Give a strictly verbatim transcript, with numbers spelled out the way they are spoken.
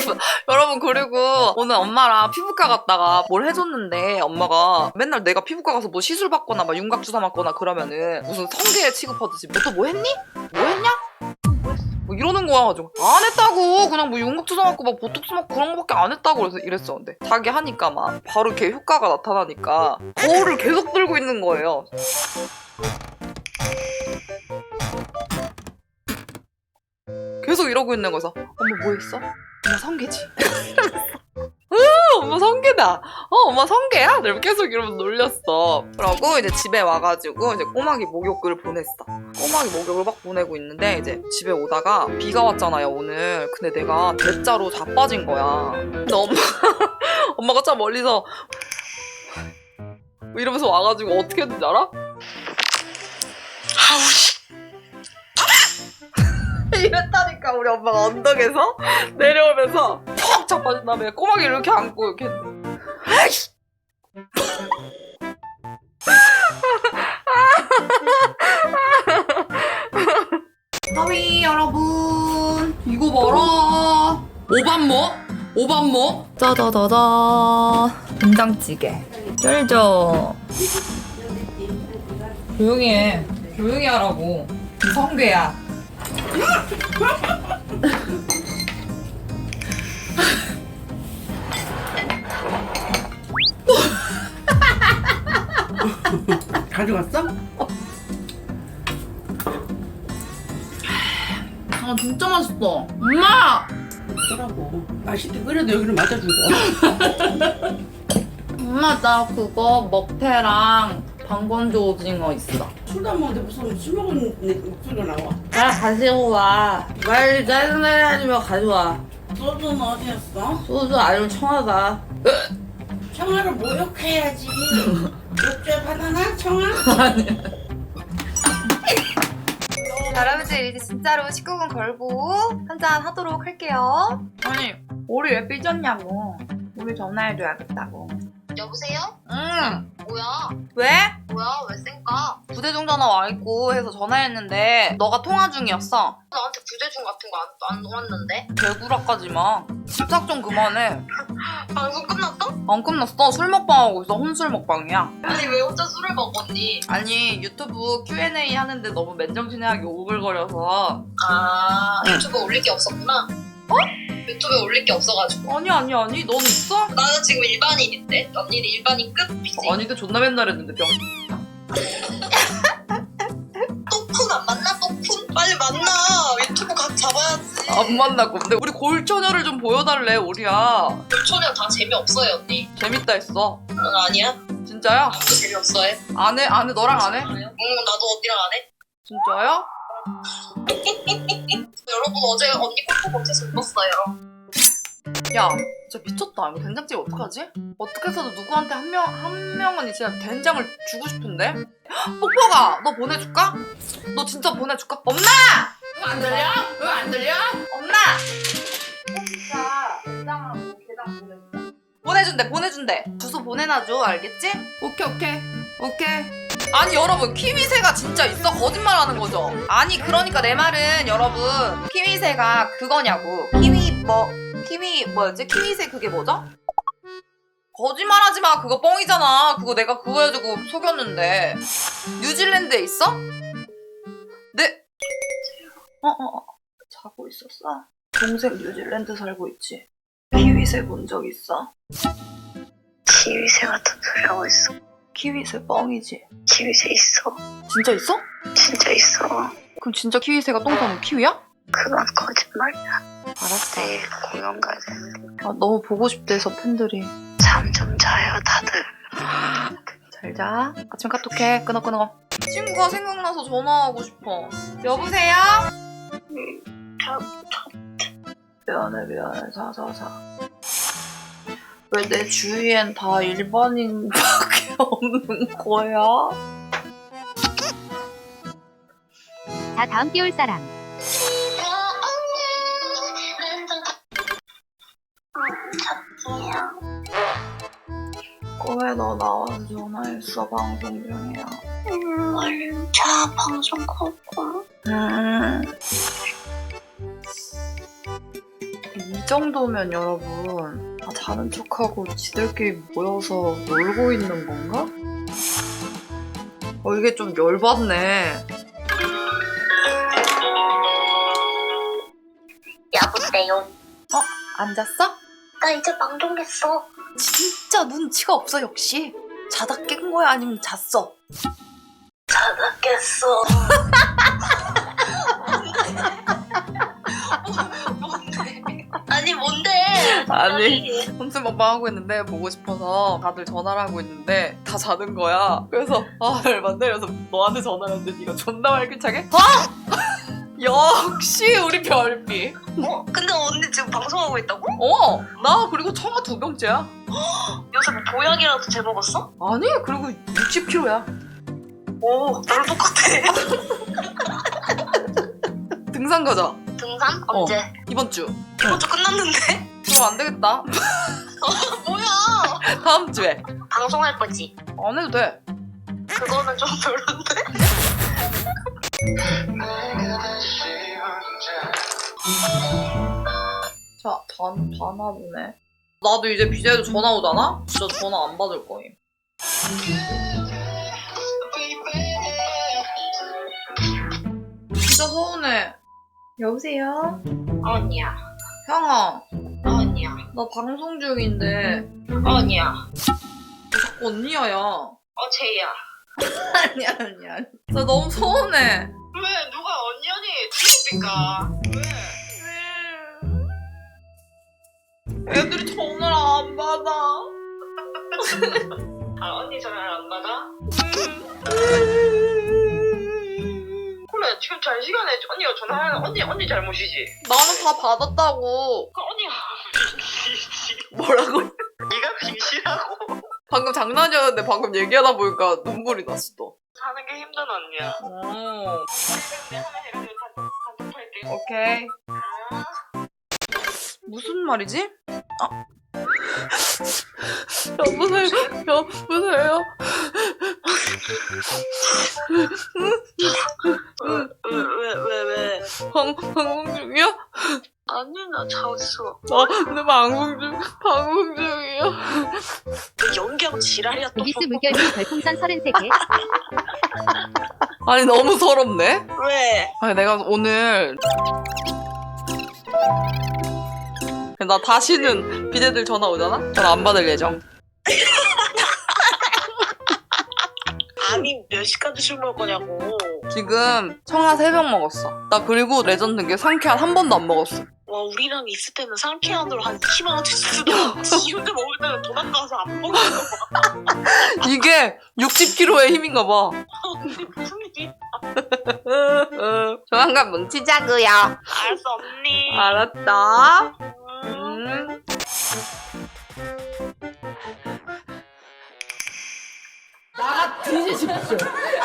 여러분, 그리고 오늘 엄마랑 피부과 갔다가 뭘 해줬는데 엄마가 맨날 내가 피부과 가서 뭐 시술 받거나 막 윤곽 주사 맞거나 그러면은 무슨 성게 취급하듯이 너 또 뭐 했니? 뭐 했냐? 뭐 이러는 거야. 가지고 안 했다고. 그냥 뭐 윤곽 주사 맞고 막 보톡스 맞고 그런 거밖에 안 했다고 그래서 이랬어. 근데 자기 하니까 막 바로 이렇게 효과가 나타나니까 거울을 계속 들고 있는 거예요. 계속 이러고 있는 거여서 엄마 뭐 했어? 엄마 성게지. 엄마 성게다. 어, 엄마 성게야? 내가 계속 이러면서 놀렸어. 그러고 이제 집에 와가지고 이제 꼬막이 목욕을 보냈어. 꼬막이 목욕을 막 보내고 있는데 이제 집에 오다가 비가 왔잖아요, 오늘. 근데 내가 대자로 자빠진 거야. 근데 엄마, 엄마가 참 멀리서 이러면서 와가지고 어떻게 했는지 알아? 아우, 씨. 이랬다니까. 우리 엄마가 언덕에서 내려오면서 퍽 자빠진 다음에 꼬막이 이렇게 안고 이렇게 했는데 아이씨. 하위 여러분, 이거 봐라. 오밤모? 오밤모? 짜자자자. 된장찌개 쩔죠. 조용히 해. 조용히 하라고. 성게야. 가져갔어? 아, 진짜 맛있어. 엄마! 뭐라고? 맛있게 끓여도 여기는 맞아주고. 엄마, 나 그거 먹태랑 방건조 오징어 있어. 술도 안 먹는데 무슨 술 먹은 내 목소리가 나와? 나 가지고 와. 빨리 짜증나게 하지 마. 가져와. 소주는 어디였어? 소주 아니면 청하다. 청아를 모욕해야지. 욕조에 바나나? 청아? 자, 여러분들 이제 진짜로 십구 금 걸고 한잔 하도록 할게요. 아니, 우리 왜 삐졌냐고. 우리 전화해줘야겠다고. 여보세요? 응. 뭐야? 왜? 뭐야? 왜 쌩까? 부대중 전화 와있고 해서 전화했는데 너가 통화 중이었어. 나한테 부재중 같은 거 안 안 왔는데? 개구라까지 마. 집착 좀 그만해. 방송 끝났어? 안 끝났어. 술 먹방하고 있어. 혼술 먹방이야. 아니 왜 혼자 술을 먹었니? 아니, 유튜브 큐 앤 에이 하는데 너무 맨정신하게 오글거려서. 아 유튜브에 올릴 게 없었구나. 어? 유튜브에 올릴 게 없어가지고. 아니 아니 아니, 넌 있어? 나는 지금 일반인인데 언니는 일반인 끝이지. 아니, 근데 존나 맨날 했는데 병. 또쿤 안 만나? 또쿤? 빨리 만나. 유튜브 각 잡아야지. 안 만나고. 근데 우리 골처녀를 좀 보여달래, 우리야. 초년 다 재미없어요 언니. 재밌다 했어. 응 아니야? 진짜야? 아무도 재미없어 해. 안 해? 안 해? 너랑 안 해? 응 나도 언니랑 안 해. 진짜야? 여러분 어제 언니 꼴도 못해서 울었어요. 야, 진짜 미쳤다. 이거 된장찌개 어떡하지? 어떻게 해서도 누구한테 한 명, 한 명은 진짜 된장을 주고 싶은데? 뽀뽀가! 너 보내줄까? 너 진짜 보내줄까? 엄마! 응, 안 들려? 응, 안 들려? 엄마! 진짜 된장하고 게장 보내준다. 보내준대, 보내준대. 주소 보내놔줘, 알겠지? 오케이, 오케이. 오케이. 아니, 여러분, 키위새가 진짜 있어? 거짓말하는 거죠? 아니, 그러니까 내 말은 여러분, 키위새가 그거냐고. 키위 뭐... 키위 뭐였지? 키위새 그게 뭐죠? 거짓말하지 마. 그거 뻥이잖아. 그거 내가 그거 해주고 속였는데. 뉴질랜드에 있어? 네. 어어 어. 자고 있었어. 동생 뉴질랜드 살고 있지. 키위새 본 적 있어? 키위새가 터뜨리고 있어. 키위새 뻥이지. 키위새 있어. 진짜 있어? 진짜 있어. 그럼 진짜 키위새가 똥 싸면 키위야? 그건 거짓말이야. 알았어. 내일 공연 가야 되는데. 아, 너무 보고 싶대서 팬들이. 잠 좀 자요 다들. 잘 자. 아침 카톡해. 끊어 끊어. 친구가 생각나서 전화하고 싶어. 여보세요? 자, 미안해 미안해. 자자자. 왜 내 주위엔 다 일반인밖에 없는 거야? 자, 다음 띄울 사람. 꿈에 너 나와서 전화했어. 방송 중이야. 음, 얼른 자 방송 끄고. 음. 이 정도면 여러분 아, 자는 척하고 지들끼리 모여서 놀고 있는 건가? 어 이게 좀 열받네. 여보세요. 안 잤어? 나 이제 방종했어. 진짜 눈치가 없어 역시. 자다 깬 거야 아니면 잤어? 자다 깼어. 아니 뭔데? 아니 혼술 먹방 하고 있는데 보고 싶어서 다들 전화를 하고 있는데 다 자는 거야. 그래서 아 열받네. 그래서 너한테 전화를 했는데 네가 존나 활기차게 아! 역시 우리 별비. 어? 근데 언니 지금 방송하고 있다고? 어! 나 그리고 청아 두 병째야. 요새 뭐 보약이라도 재먹었어? 아니 그리고 육십 킬로그램야. 오, 나랑 똑같아. 등산 가자. 등산? 어. 언제? 이번 주. 이번 주 끝났는데? 그럼 안 되겠다. 뭐야? 다음 주에. 방송할 거지? 안 해도 돼. 그거는 좀 별론데? 자, 전, 전화 보네. 나도 이제 비제도 전화 오잖아? 진짜 전화 안 받을 거임. 진짜 서운해. 여보세요? 언니야. 형아, 언니야. 나 방송 중인데. 언니야. 왜 자꾸 언니야, 야. 어제야. 아니야, 아니야. 아니. 나 너무 서운해. 왜? 누가 언니 언니 뒤집니까? 애들이 전화를 안 받아. 아 언니 전화를 안 받아? 그래 지금 잘 시간에 언니가 전화하는 언니 언니 잘못이지. 나는 다 받았다고. 그 언니가 빙신이지. 뭐라고? 네가 빙신하고 방금 장난이었는데 방금 얘기하다 보니까 눈물이 났어, 또. 사는 게 힘든 언니야. 오, 내가 하나 해가지고 다 반죽할게. 오케이. 무슨 말이지? 아. 여보세요? 여보세요? 왜왜 왜 왜? 방, 방송 중이야? 아니 나 잤어. 나, 내 방송 중, 방송 중이야. 그 연기하고 지랄이야 또. 오비스 물결님 별풍선 서른세 개. 아니, 너무 서럽네? 왜? 아니, 내가 오늘. 나 다시는 비대들 전화 오잖아? 전화 안 받을 예정. 아니 몇 시까지 술 먹을 거냐고. 지금 청아 세 병 먹었어. 나 그리고 레전드인 게 상쾌한 한 번도 안 먹었어. 와 우리랑 있을 때는 상쾌한으로 한 이십만 원치 쓰던 지 혼자 먹을 때는 돈 아까워서 안 먹는 거. 이게 육십 킬로그램의 힘인가 봐. 근데 무슨 일이? 조만간 뭉치자고요. 알았어 언니. 알았다. 음. 음. 나가 뒤지십시오.